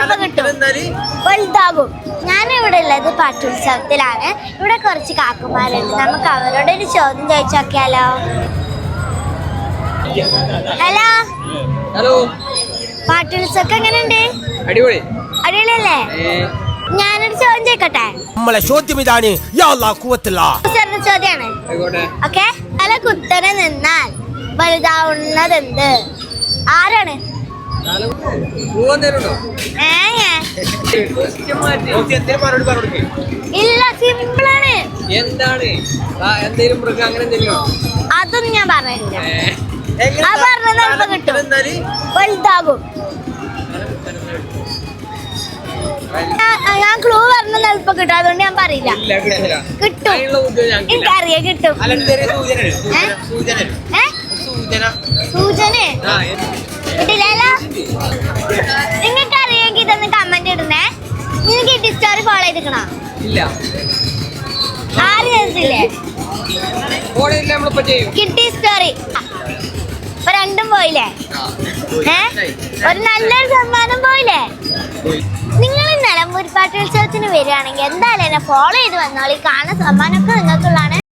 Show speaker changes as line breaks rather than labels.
വലുതാകും. ഞാനിവിടെ ഉള്ളത് പാട്ടുത്സവത്തിലാണ്. ഇവിടെ കുറച്ച് കാക്കുമാരുണ്ട്. നമുക്ക് അവരോട് ഒരു ചോദ്യം ചോദിച്ചു നോക്കിയാലോ? ഹലോ
ഹലോ,
പാട്ടുത്സവം എങ്ങനെയുണ്ട്?
അടിപൊളി.
അടിപൊളിയല്ലേ? ഞാനൊരു ചോദ്യം ചോദിക്കട്ടെ?
നമ്മളെ ചോദ്യം ഇതാണ്.
ചോദ്യാണ്. ഓക്കെ. തല കുത്തനെ നിന്നാൽ വലുതാവുന്നതെന്ത്? ആരാണ്? ഇല്ല, സിമ്പിളാണ്.
എന്താണ്? എന്തെങ്കിലും മൃഗം അങ്ങനെ എന്തെങ്കിലും?
അതൊന്നും ഞാൻ പറഞ്ഞില്ല. ആ പറഞ്ഞത് കിട്ടും. വലുതാകും. ഞാൻ ക്ലൂ പറഞ്ഞ എളുപ്പം കിട്ടും. അതുകൊണ്ട് ഞാൻ പറയില്ല. കിട്ടും. എനിക്കറിയാം കിട്ടും. സൂചന കിട്ടില്ലല്ലോ. നിങ്ങൾക്ക് അറിയെങ്കിൽ ഇതൊന്ന് കമന്റ് ഇടണേ. നിങ്ങൾക്ക് കിട്ടി സ്റ്റോറി ഫോളോ ചെയ്തിക്കണോ? ആരും ചെയ്തില്ലേ? കിട്ടി സ്റ്റോറി. ഇപ്പൊ രണ്ടും പോയില്ലേ? ഒരു നല്ലൊരു സമ്മാനം പോയില്ലേ? നിങ്ങൾ നിലമ്പൂർ പാട്ടുത്സവത്തിന് വരികയാണെങ്കിൽ എന്തായാലും എന്നെ ഫോളോ ചെയ്ത് വന്നോളി. കാണുന്ന സമ്മാനമൊക്കെ നിങ്ങൾക്കുള്ളതാണ്.